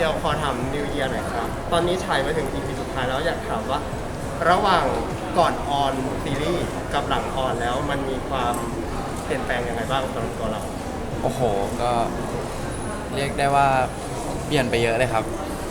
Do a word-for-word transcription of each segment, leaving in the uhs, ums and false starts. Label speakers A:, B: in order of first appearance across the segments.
A: เดี๋ยวขอถามนิวเยียร์หน่อยครับตอนนี้ฉายมาถึง อี พี สุดท้ายแล้วอยากถามว่าระหว่างก่อนออนซีรีส์กับหลังออนแล้วมันมีความเปลี่ยนแปลงยังไงบ้างสำหรับตัวเรา
B: โอ้โหก็เรียกได้ว่าเปลี่ยนไปเยอะเลยครับ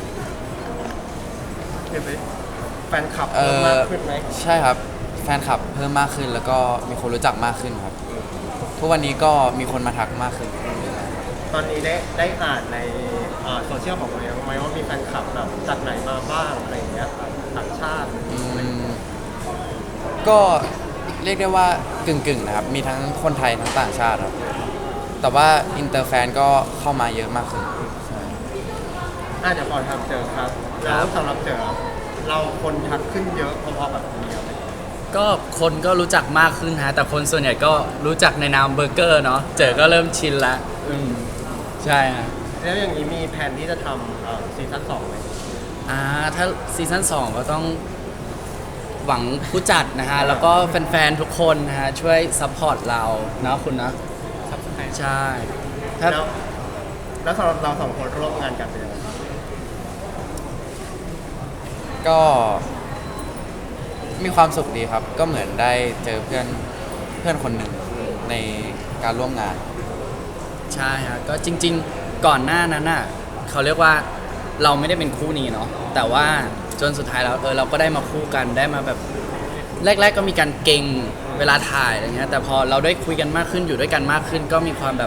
A: เปลี่ยนไปแฟนคลับ
B: เอ
A: เพิ่ม
B: อ
A: มากขึ้นไหม
B: ใช่ครับแฟนคลับเพิ่มมากขึ้นแล้วก็มีคนรู้จักมากขึ้นครับทุกวันนี้ก็มีคนมาทักมากขึ้น
A: ตอนนี้ได้ได้อ่านในโซเชียลของเราไหมว่ามีแฟนคลับแบบจากไหนมาบ้างอะไรอย่างเงี้ยครับต่างชาติ
B: อืมก็เรียกได้ว่ากึ่งๆนะครับมีทั้งคนไทยทั้งต่างชาติครับแต่ว่าอินเตอร์แฟนก็เข้ามาเยอะมากขึ้นใช่
A: อ่ะเดี๋ยวขอทำเจอครับ แล้วสำหรับเจอเราคนทักขึ้นเยอะพอๆแบบนี้ครับ
C: ก็คนก็รู้จักมากขึ้นฮะแต่คนส่วนใหญ่ก็รู้จักในนามเบอร์เกอร์เนาะเจอก็เริ่มชินละอืมใช่ฮะ
A: แล้วอย่างนี้มีแผนที่จะทำซีซั่นสองไหม
C: อ่าถ้าซีซั่นสองก็ต้องหวังผู้จัดนะฮะแล้วก็แฟนๆทุกคนนะฮะช่วยซัพพอร์ตเราเนาะคุณนะใช่ถ้า
A: แล้วแล้วสำหรับเราสองคนร่วมงานกันเป็นยังไงบ้าง
B: ก็มีความสุขดีครับ ก็เหมือนได้เจอเพื่อนเพื่อนคนหนึ่งในการร่วมงาน
C: ใช่ฮะก็จริงๆก่อนหน้านั้นน่ะเขาเรียกว่าเราไม่ได้เป็นคู่นี้เนาะแต่ว่าจนสุดท้ายแล้วเออเราก็ได้มาคู่กันได้มาแบบแรกๆก็มีการเก่งเวลาถ่ายอะไรเงี้ยแต่พอเราได้คุยกันมากขึ้นอยู่ด้วยกันมากขึ้น ก็มีความแบบ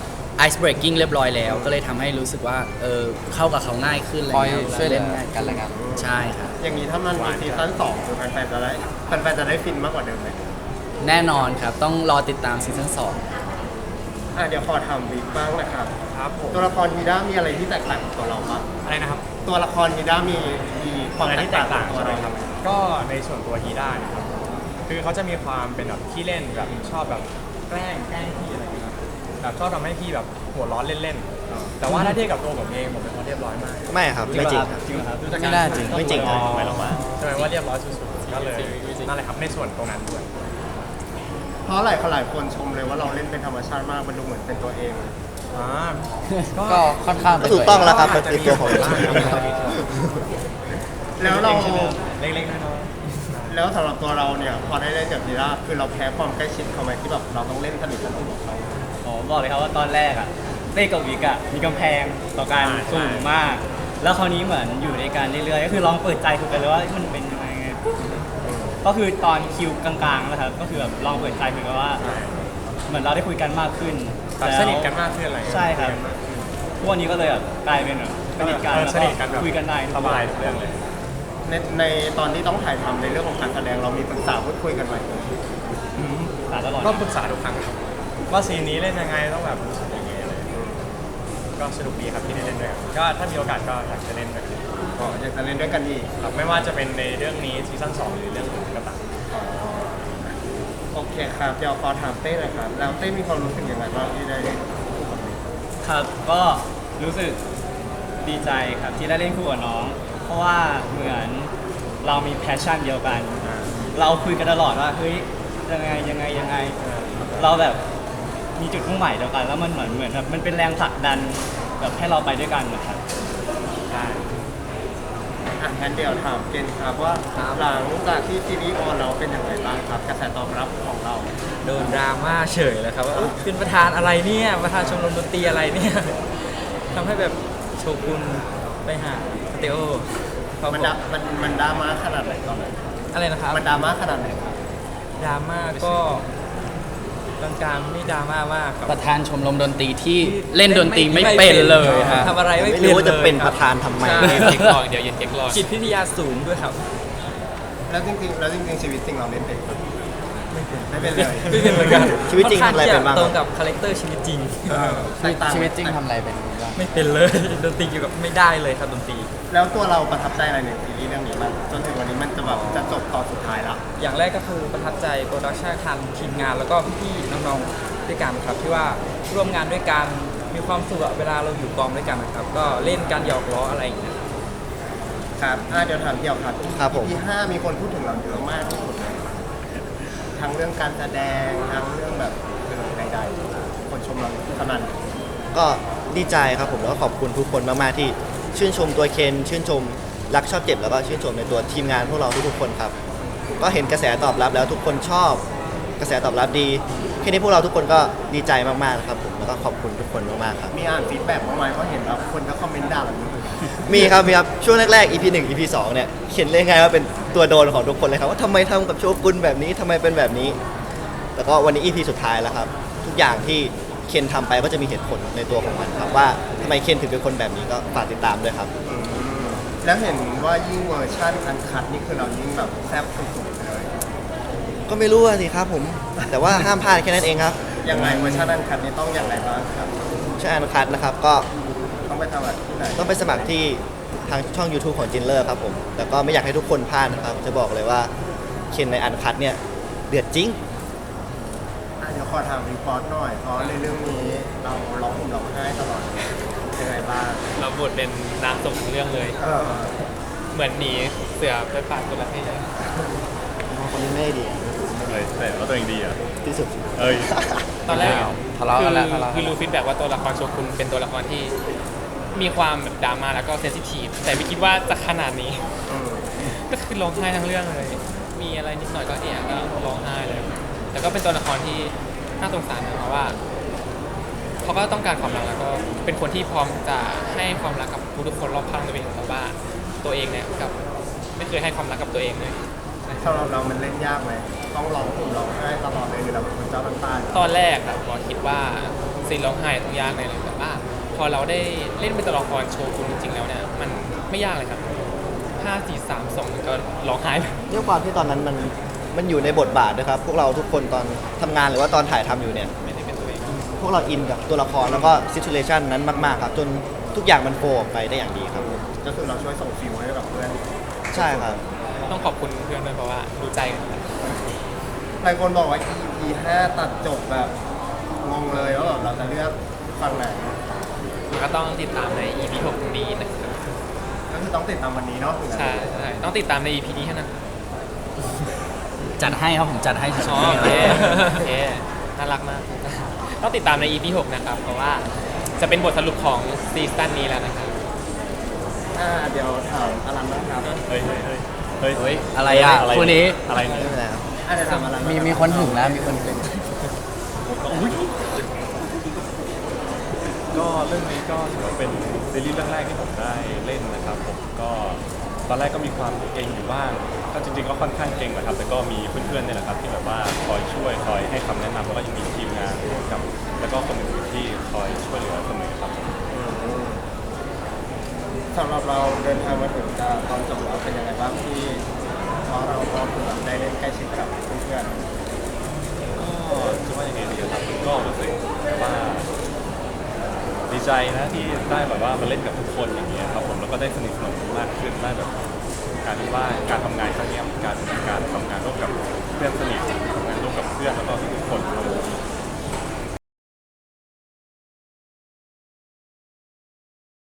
C: ice breaking เรียบร้อยแล้ว ก็เลยทำให้รู้สึกว่าเออเข้ากับเขาง่ายขึ้นอะไร
B: คอย
C: เงี้ย
B: ช่วยเหลื
C: เล่
B: อน
C: ง่าย
B: กันและกัน
C: ใช่ครับ
A: อย่างนี้ถ้ามันมีซีซั่นสองคือแฟนๆจะได้แฟนๆจะได้ฟินมากกว่าเดิมไหม
C: แน่นอนครับต้องรอติดตามซีซั่นสอง
A: อ่ะเดี๋ยวขอถามบิ๊กบ้างนะครับ
D: ครับผม
A: ตัวละครฮีด้ามีอะไรที่แตกต่างกับตัวเราบ้าง
D: อะไรนะครับ
A: ตัวละครฮีด้ามีมีความ
D: อะไร
A: แต
D: ที่
A: ก
D: แต
A: ต่าง
D: ก
A: กับ
D: ต่าง
A: ตัว
D: ใช่ไหม
A: เรา
D: ครับก็ในส่วนตัวฮีด้าเนะครับคือเขาจะมีความเป็นแบบขี้เล่นแบบชอบแบบแกล้งแกล้งพี่อะไรอย่างเงี้ยครับแบบชอบทำให้พี่แบบหัวร้อนเล่นๆแต่ว่าถ้าเทียบกับตัวผมเองผมเป็นคนเรียบร้อยมาก
E: ไม่ครับไม่จริงครับ
D: จริงครับ
B: ไม่น่าจริง
E: ไม่จริง
D: อ๋
E: ค
D: อ
E: รับ
D: ไม่ลงมาใช่ไหมว่าเรียบร้อยสุดๆก็เลยนั่นแหละครับในส่วนตรงนั้นด้วย
A: เพราะหลายคนหลายคนชมเลยว่าเราเล่นเป็นธรรมชาติมากมันดูเหมือนเป็นตัวเอง
D: อ่า
B: ก็ค่อนข้างเป็น
E: ก็ถูกต้องแล้วครับ
D: อาจจะ
E: เป็นตัวของ
D: บ้างครับ
A: แล้วเรา
D: เล็กๆน้อย
A: แล้วสำหรับตัวเราเนี่ยพอได้เล่นกับฮีด้าคือเราแพ้ความใกล้ชิดเขาไหมที่แบบเราต้องเล่นสนิทสนมกับเขา
F: อ๋อบอกเลยครับว่าตอนแรกอะเต้กับวิกอะมีกำแพงต่อการสูงมาก แล้วคราวนี้เหมือนอยู่ในการเรื่อยๆก็คือลองเปิดใจคุยกันเลยว่ามันเป็นยังไงไงก็คือตอนคิวกลางๆนะครับก็คือแบบลองเปิดใจคุยกันว่า เหมือนเราได้คุยกันมากขึ้น
D: ๆแบบ
F: แล้ว
D: สนิทกันมากขึ้นอะไรอย่างเงี้ย
F: ใช่ครับทุกวันนี้ก็เลยแบบกลายเป็นแบบสนิทกัน
D: เออ
F: แล้ว
D: สนิทกันแบบ
F: คุยกันได้ทุก
D: ส
F: วัน
D: บายทุกเรื่องเลย
A: ในในตอนที่ต้องถ่ายทำในเรื่องของการแสดงเรามีปรึกษาพูดคุยกันไหม
F: สาตลอด
D: ก็ปรึกษาทุกครั้งครับว่าซีนนี้เล่นยังไงต้องแบบรู้สึกยังไงอะไรก็สนุกดีครับที่ได้เล่นด้วยกันก็ถ้ามีโอกาสก็อยากจะเล่นด้วยกัน
A: ก็อยากจะเล่นด้วยกันอีก
D: ครับไม่ว่าจะเป็นในเรื่องนี้ซีซั่นสองหรือเรื่องอื่นก็ตาม
A: โอเคครับเดี๋ยวขอถามเต้เลยครับแล้วเต้มีความรู้สึกยังไงบ้างที่ได้เล่นคู่กับบิ๊ก
F: ครับก็รู้สึกดีใจครับที่ได้เล่นคู่กับน้อง เพราะว่าเหมือนเรามีแพชชั่นเดียวกัน เราคุยกันตลอดว่าเฮ้ยยังไงยังไงยังไง เราแบบมีจุดมุ่งหมายเดียวกัน แล้วมันเหมือนเหมือนแบบมันเป็นแรงผลักดันแบบให้เราไปด้วยกันนะครับใช่
A: อ่ะงั้นเดี๋ยวถามเกณฑ์ครับว่าหลังจากที่ซีรีส์ออนเราเป็นยังไงบ้างครับกระแสตอบรับของเรา
G: โดนดราม่าเฉยเลยครับว่าเอ้ยเป็นประธานอะไรเนี่ยประธานชมรมดนตรีอะไรเนี่ยทำให้แบบโชกุนไปหาสเตโอเขา
A: มัน
G: บ
A: ด
G: อ
A: ราก มันมันดราม่าขนาดไหนตอนนั้น
G: อะไรนะครับ
A: มันดราม่าขนาดไหนครับ
G: ดราม่าก็กลางๆไม่ดราม่ามากครับ
C: ประธานชมรมดนตรีที่เล่นดนตรีไม่เป็นเลยฮะ
G: ทำอะไรไม่
E: ไม่
G: เป็น
E: รู้ว่าจะเป็น
G: ลย
E: ประธานทำไม
G: ใช่
B: เด็กลองเดี๋ยวเย็นเด็กลอง
G: จิตวิทยาสูงด้วยครับ
A: แล้วจริงๆแล้วจริงๆชีวิตจริงเราเล่นเป็นปะไม่เป็นเลย
G: ไม่เป็นเหมือนกัน
E: ชีวิตจริงทำอะไรเป็นบ้าง
G: ตรงกับคาแรคเตอร์ชีวิตจริง
A: เออแตกต่าง
B: ชีวิตจริงทำอะไรเป็นบ้าง
G: ไม่เป็นเลย ดนตรีเกี่ยวกับไม่ได้เลยครับดนตรี
A: แล้วตัวเราประทับใจอะไรในซีรีส์เรื่องนี้มันจนถึงวันนี้มันจะแบบจะจบตอนสุดท้ายแล้ว
G: อย่างแรกก็คือประทับใจโปรดักชันทันทีมงานแล้วก็พี่ๆน้องๆด้วยกันครับที่ว่าร่วมงานด้วยกันมีความสุขอะเวลาเราอยู่กองด้วยกันนะครับ ก็เล่นกันหยอกล้ออะไรอย่างเงี้ย
A: ครับอ่ะเดี๋ยวถามเดี่ยวครับ
E: ครับผม
A: อี พี ห้ามีคนพูดถึงเราเยอะมากที่สุดเลยทั้งเรื่องการแสดงทั้งเรื่องแบบเรื่องใดๆคนชมเราขนาดไหน
E: ก็ดีใจครับผมแล้วก็ขอบคุณทุกคนมากๆที่ชื่นชมตัวเคนชื่นชมรักชอบเจ็บแล้วก็ชื่นชมในตัวทีมงานพวกเราทุกๆคนครับก็เห็นกระแสตอบรับแล้วทุกคนชอบกระแสตอบรับดีแค่นี้พวกเราทุกคนก็ดีใจมากๆนะครับผมแล้วก็ขอบคุณทุกคนมากๆครับ
A: มีอ่านฟีดแบ็กบ้างไหมเพราะเห็นแบบคนก็คอมเมนต์ด่าแบบนี้
E: มีครับมีครับช่วงแรกๆ อี พี หนึ่ง อี พี สองเนี่ยเขียนเลยไงว่าเป็นตัวโดนของทุกคนเลยครับว่าทำไมทำกับโชกุนแบบนี้ทำไมเป็นแบบนี้แล้วก็วันนี้ อี พี สุดท้ายแล้วครับทุกอย่างที่เคนทำไปก็จะมีเหตุผลในตัวของมันครับว่าทำไมเคนถึงเป็นคนแบบนี้ก็ฝากติดตามด้วยครับ
A: อืมแล้วเห็นว่ายิ่งเวอร์ชันอันคัดนี่คือเรายิ่งแบบแซ่บสุดๆเลย
E: ก็ไม่รู้อะสิครับผมแต่ว่าห้ามพลาดแค่นั้นเองครับ
A: ยังไงเวอร์ชันอันคัดนี่ต้องอย่างไรบ้างครับ
E: ใช่อันคัดนะครับก็
A: ต้องไปทำอะไรที่ไหน
E: ต้องไปสมัครที่ทางช่อง ยูทูบ ของจินเลอร์ครับผมแต่ก็ไม่อยากให้ทุกคนพลาดนะครับจะบอกเลยว่าเคนในอันคัดเนี่ยเดือดจริง
A: อ่ะเดี๋ยวขอถามรีพอร์ตหน่อยเพราะในเรื่องนี้เราร้องห่มร้องไห้ตลอดยังไงบ้าง
H: เราบทเป็นนางส่งทั้งเรื่องเลย
A: เออ
H: เหมือนหนีเสือไปปาดคนละให้เลย
E: คนนี้ไม่ได้ดี
D: เลยแต่ว่าตัวเองดีอ่ะ
E: ที่สุด
D: เอ้ย
H: ตอนแรก
B: ทะเลาะกันแล้ว
H: คือ
B: ทะเลาะกันแล้ว
H: คือรู้ฟีดแบ็กว่าตัวละครโชกุนเป็นตัวละครที่มีความแบบดราม่าแล้วก็เซนซิทีฟแต่ไม่คิดว่าจะขนาดนี้
A: อืม
H: ก็คือร้องไห้ทั้งเรื่องเลย มีอะไรนิดหน่อยก็เอะก็ร้องไห้เลย แต่ก็เป็นตัวละครที่น่าสงสารนะเพราะว่าเขาก็ต้องการความรักแล้วก็เป็นคนที่พร้อมจะให้ความรักกับทุกๆคนรอบข้างตัวเองแต่ว่าตัวเองเนี่ยกับไม่เคยให้ความรักกับตัวเองเลย
A: สำหรับเรามันเล่นยากไหมต้องร้องห่มร้องไห้ตลอดเลยหรือเราเป็นคนเจ้าน้ำตา
H: ตอนแรกอะผมคิดว่าซีนร้องไห้ต้องยากแน่เลยแต่ว่าพอเราได้เล่นเป็นตัวละครโชกุนจริงๆแล้วเนี่ยมันไม่ยากเลยครับห้า สี่ สาม สองมันก็ร้องไห้เลย
E: ด้วยความที่ตอนนั้นมันมันอยู่ในบทบาทนะครับพวกเราทุกคนตอนทำงานหรือว่าตอนถ่ายทำอยู่เนี่ย
H: ไม่ได้เป็นตัวเอง
E: พวกเราอินกับตัวละครแล้วก็ซิทูเ t ชันนั้นมากๆครับจนทุกอย่างมันโฟล์ออกไปได้อย่างดีครับ
A: ก็คือเราช่วยส่งฟิลให้กับเพื่อน
E: ใช่ครับ
H: ต้องขอบคุณเพื่อนด้วยเพราะว่ารู้ใจกัน
A: หลายคนบอกว่า อี พี ห้าตัดจบแบบงงเลยว่าแบบเราจะเลือกฝั่งไหน
H: มันก็ต้องติดตามใน อี พี หกนี้นะครับ
A: ก็คือต้องติดตามวันนี้เนาะถึงจะ
H: ใช่ใช่ต้องติดตามใน อี พี นี้เท่านั้น
C: จัดให้ครับผมจัดให้
H: อ๋อโอเคโอเคน่ารักมากต้องติดตามใน อี พี หกนะครับเพราะว่าจะเป็นบทสรุปของซีซั่นนี้แล้วนะครับ
A: อ่าเดี๋ยวถามอลันนะครับ
D: เฮ้ยเฮ้ยเฮ้ยเฮ้ย
C: เฮ้ยอะไรอ่ะคู่นี้
D: อะไร
E: ไม่
D: เนี่ย
E: เป็นไรครับ
A: อ่าเดี๋ยวถามอลัน
B: มีมีคนถึงแล้วมีคนถึง
D: ก็เรื่องนี้ก็ถือว่าเป็นซีรีส์เรื่องแรกที่ผมได้เล่นนะครับผมก็ตอนแรกก็มีความเก่งอยู่บ้างก็จริงๆก็ค่อนข้างเก่งนะครับแต่ก็มีเพื่อนๆเนี่ยแหละครับที่แบบว่าคอยช่วยคอยให้คำแนะนำแล้วก็ยังมีทีมงานกับแล้วก็คนอื่นๆที่คอยช่วยเหลือเสมอครับผม
A: สำหรับเราเดินทางมาถึงจะตอนจบแล้วเป็นยังไงบ้างที่เพราะเราก็คือแบบได้เล่นใกล้ชิดกับเพื่อน
D: ก็จะว่ายังไงดีครับก็รู้สึกว่าดีใจนะที่ได้แบบว่ามาเล่นกับทุกคนอย่างเงี้ยครับผมแล้วก็ได้สนิทสนมมากขึ้นได้แบบการที่ว่าการทำงานครั้งเนี้ยมันการการทำงานร่วมกับเพื่อนสนิททำงานร่วมกับเพื่อนแล้วก็ทุกๆคนครับ